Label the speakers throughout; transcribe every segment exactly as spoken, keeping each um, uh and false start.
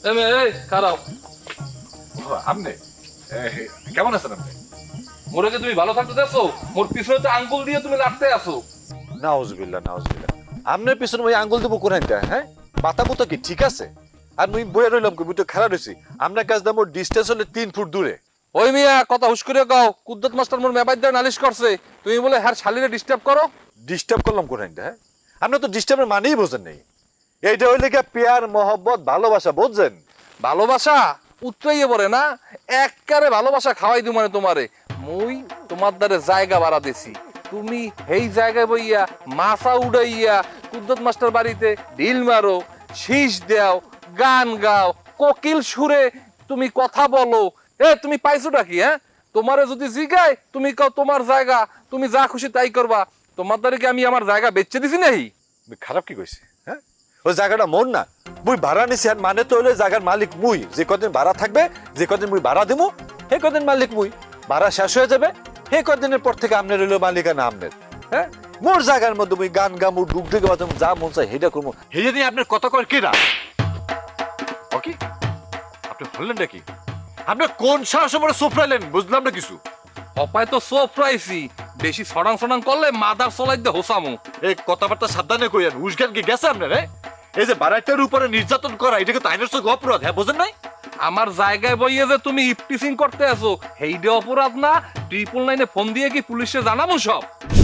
Speaker 1: এই খারাপ
Speaker 2: আপনি কেমন আছেন আপনি?
Speaker 1: মোরে কি তুমি ভালো থাকতে দেখছো? মোর পিছনে তো আঙ্গুল দিয়ে তুমি লাগতে আসো।
Speaker 2: নাউজুবিল্লাহ নাউজুবিল্লাহ। আপনার পিছনে ওই আঙ্গুল দেবো কোরআন হ্যাঁ? মাথা মুতা কি ঠিক আছে? আর মুই বইয়া রইলাম কি মুই তো খারাপ হইছি। আপনার কাছ দিয়ে মোর ডিস্টেন্স হলে তিন ফুট দূরে।
Speaker 1: ওই মিয়া কথা হুশ করে গাও, কুদ্দত মাস্টার মোর মেবাই দিয়ে নালিশ করছে, তুমি বলে হ্যার শালিরে ডিস্টার্ব করো।
Speaker 2: ডিস্টার্ব করলাম কোরআন হ্যাঁ? আপনি তো ডিস্টার্বের মানেই বোঝেন নাই। এইটা হইলে কি পেয়ার মহব্বত ভালোবাসা বুঝছেন?
Speaker 1: ভালোবাসা উতরাইয়ে পড়ে না, এককারে ভালোবাসা খাওয়াই দিও মানে তোমারে। মুই তোমার দ্বারে জায়গা বাড়া দিছি, তুমি এই জায়গায় বইয়া মাছা উড়াইয়া কুদ্দত মাস্টার বাড়িতে ঢিল মারো, শীষ দাও, গান গাও, কোকিল সুরে তুমি কথা বলো। এ তুমি পাইছোটা কি? হ্যাঁ, তোমারে যদি জিগায় তুমি কও তোমার জায়গা, তুমি যা খুশি তাই করবা। তোমার দ্বারে কি আমি আমার জায়গা বেচে দিছি নাহি?
Speaker 2: খারাপ কি কইছে হ্যাঁ? ওই জায়গাটা মোর না, মুই ভাড়া নিছি। আর মানে তো হইলে জায়গার মালিক মুই। যে কদিন ভাড়া থাকবে, যে কদিন মুই ভাড়া দেবো, সেই কদিন মালিক মুই। ভাড়া শেষ হয়ে যাবে, সেই কদিনের পর থেকে আপনার হইলো মালিকানা আপনার। হ্যাঁ, মোর জায়গার মধ্যে মুই গান গামু, ডুক ডুকে বাজামু, যা মন চাই সেটা করবো। সেটা নিয়ে আপনার কথা কর কি না? ওকে, আপনি হলেন নাকি? আপনি কোন সাহসে মনে সোফরাইলেন বুঝলাম না কিছু।
Speaker 1: অপায় তো সোফ রাইছি, বেশি সড়াং সড়াং করলে মাদার চলাই দে হোসামু।
Speaker 2: এই কথাবার্তা সাবধানে কইয়েন। উসগান কি গেছে আপনার? এই যে বাড়াইটার উপরে নির্যাতন করা, এটাকে তো আইনের চোখে অপরাধ। হ্যাঁ, বোঝেন নাই?
Speaker 1: আমার জায়গায় বইয়ে যে তুমি ইফটিসিং করতে আছো, হেইডে অপরাধ না? ট্রিপল নাইনে ফোন দিয়ে কি পুলিশে জানাবো সব?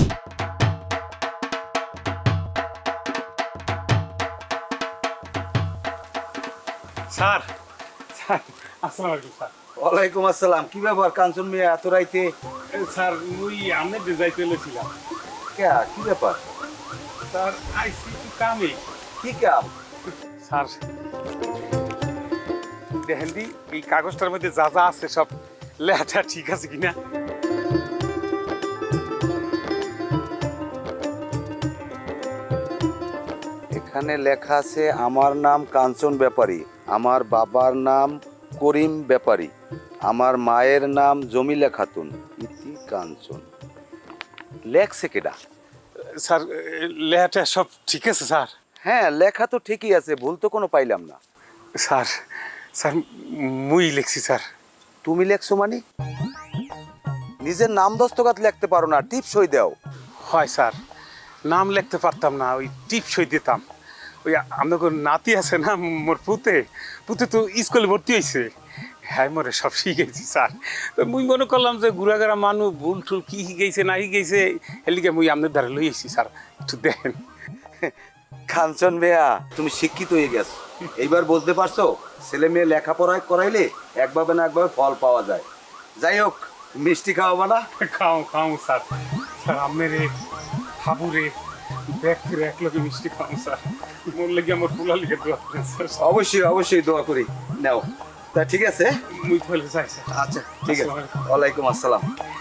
Speaker 3: স্যার স্যার আসসালামু আলাইকুম স্যার।
Speaker 4: ওয়ালাইকুম আসসালাম। কি ব্যাপার কাঞ্চন মিয়া এত রাইতে?
Speaker 3: এ, স্যার মুই আমনে যাইতে এলেছিলাম।
Speaker 4: কে কি ব্যাপার?
Speaker 3: স্যার আইসি একটু কামে।
Speaker 4: কি কাম?
Speaker 3: স্যার দেখেন দি এই কাগজটার মধ্যে যা যা আছে সব লেখাটা ঠিক আছে কিনা।
Speaker 4: এখানে লেখা আছে আমার নাম কাঞ্চন ব্যাপারী, আমার বাবার নাম করিম ব্যাপারী, আমার মায়ের নাম জমিলা খাতুন, ইতি কাঞ্চন। লেখছে কেডা?
Speaker 3: স্যার লেখাটা সব ঠিক আছে স্যার।
Speaker 4: হ্যাঁ, লেখা তো ঠিকই আছে, ভুল তো কোনো পাইলাম না।
Speaker 3: স্যার স্যার মুই লিখছি স্যার।
Speaker 4: তুমি লেখছো মানে? নিজের নাম দস্তখত লিখতে পারো না, টিপ সই দাও।
Speaker 3: হয় স্যার, নাম লিখতে পারতাম না, ওই টিপ সই দিতাম। ওই আপনাকে নাতি আছে না মোর পুতে, পুতে তো স্কুলে ভর্তি হয়েছে। হ্যাঁ মোরে সব শিখেছি স্যার। তো মুই মনে করলাম যে ঘুরাঘুরা মানুষ ভুল টুল কি শিখেছে না শিখেছে, এলিকে মুই আপনার দ্বারা লই এসেছি স্যার, একটু দেখেন।
Speaker 4: কাঞ্চন ভাইয়া তুমি শিক্ষিত হয়ে গেছো, এইবার বুঝতে পারছো ছেলে মেয়ে লেখাপড়ায় করাইলে একভাবে না একভাবে ফল পাওয়া যায়। যাই হোক, মিষ্টি খাওয়াবা না?
Speaker 3: খাও খাও স্যার। স্যার আপনার হাবুরে ব্যক্তির এক লোকে মিষ্টি খাও স্যার। মোর লেগে আমার পোলা লিখে দোয়া করেন স্যার।
Speaker 4: অবশ্যই অবশ্যই দোয়া করি। নাও তা ঠিক আছে।
Speaker 3: মুই বলে যাই স্যার।
Speaker 4: আচ্ছা ঠিক আছে।
Speaker 3: আসসালামু আলাইকুম।
Speaker 4: ওয়ালাইকুম আসসালাম।